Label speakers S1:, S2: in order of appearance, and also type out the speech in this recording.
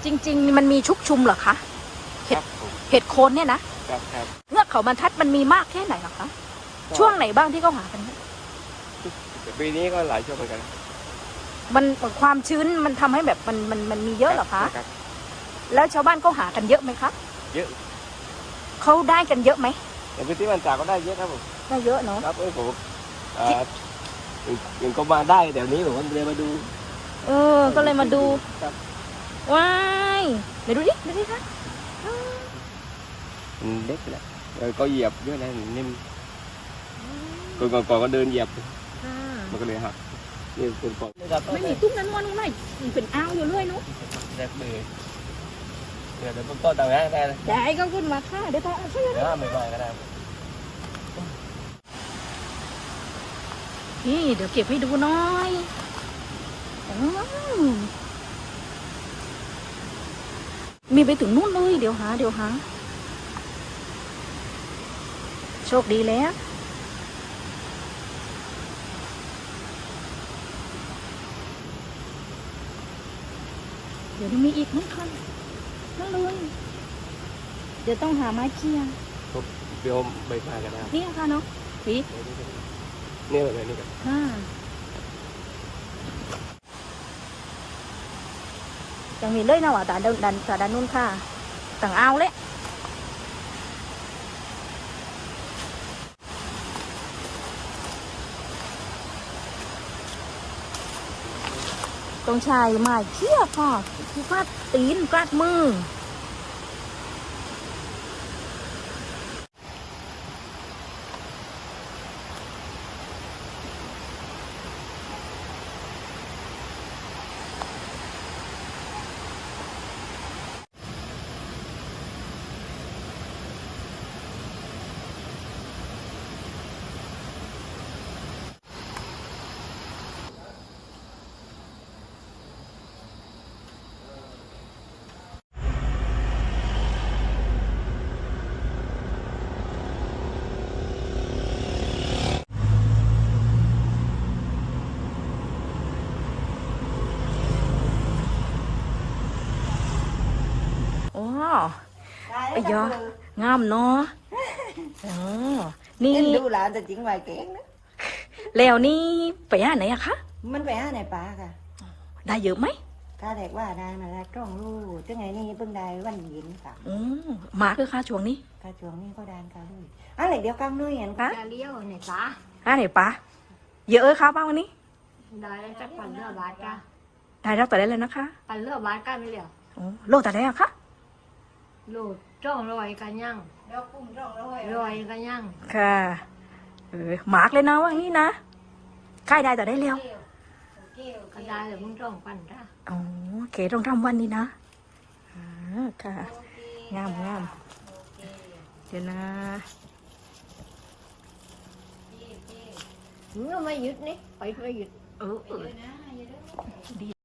S1: จริงๆมันมีชุกชุมเหรอคะเห็ดโคนเนี่ยนะครับเงือกเขาบรรทัดมันมีมากแค่ไหนหรอคะช่วงไหนบ้างที่เขาหากัน
S2: ปีนี้ก็หลายช่วงเหมือนกัน
S1: มันความชื้นมันทำให้แบบมันมีเยอะเหรอคะแล้วชาวบ้านเขาหากันเยอะไหมคะ
S2: เยอะ
S1: เขาได้กันเยอะไหม
S2: ในพื้นที่มันจากก็ได้เยอะครับผม
S1: ได้เยอะเนาะ
S2: ครับผมยังก็มาได้เดี๋ยวนี้ผมก็เลยมาดู
S1: ก็เลยมาดู
S2: ครับ
S1: ว้ายเดี๋ยวดูดิคะ
S2: เล็กแหละก็เหยียบเยอะนะนิ่มก่อนก็เดินเหยียบมันก็เลยหักนี่เป็นก่อน
S1: ไม่มีตุ้งนั้นวันนู้นไหนเป็นอ้าวอยู่เรื่อยนู้น
S2: แรกเลยเดี๋ยวต้นต่างๆได้เลย
S1: ได้ก็ขึ้นมาค่ะเดี๋ยวต่อช่วย
S2: เดี๋ยวไม่ไหวก็ได้
S1: นี่เดี๋ยวเก็บให้ดูหน่อยมีไปถึงนู่นเลยเดี๋ยวหาโชคดีแล้วเดี๋ยวมีอีกนั่นค่ะนั่นเลยเดี๋ยวต้องหาไม้เคี่ย
S2: เดี๋ยวใบมากันนะ
S1: นี่ค่ะเนาะสี
S2: นี่แบบนี้กัน
S1: ยังมีเลยนะว่าแต่ด้านนู้นค่ะต่างเอาเลยต้องใช้ไม้เคี่ยค่ะคือฟาดตีนฟาดมือไอ้ยองามเนาะนี่
S3: ดูหลานแต่จริงไหวเก่งนะ
S1: แล้วนี่ไปหาไหนอะคะ
S3: มันไปหาไหนป้าค่ะ
S1: ได้เยอะไหม
S3: ข้าแรกว่าได้มาแล้วต้องรู้จังไงนี่เพิ่งได้วันเย็นค่ะ
S1: มาคือค่าช่วงนี้
S3: ค่าช่วงนี้ก็ได้ค่ะลูกอะไรเดียวกันเลยเห็นค่ะ
S4: จะเลี้ยวไหนป้า
S1: ไหนป้าเยอะครับป้าวันนี้
S4: ได้จะปั่นเรือบาสกัน
S1: ได้รับต่อได้เลยนะคะ
S4: ปั่นเรือบาสกันไม่เหลียว
S1: โลแต่ได้อะคะ
S4: โหลดจ้องรอยกันยัง
S3: ดอกกุ้ง
S4: รอยกันยัง
S1: ค่ะหมากเลยนะว่างี้นะใกล้ได้แต่ได้เร็ว
S4: ก็ได้เลยมึงจ้องปั่นจ้า
S1: เก๋ต้องทำวันนี้นะค่ะงามเดี๋ยวนะ
S4: มึงก็ไม่หยุดนี่ไปไม่หยุด
S1: ดี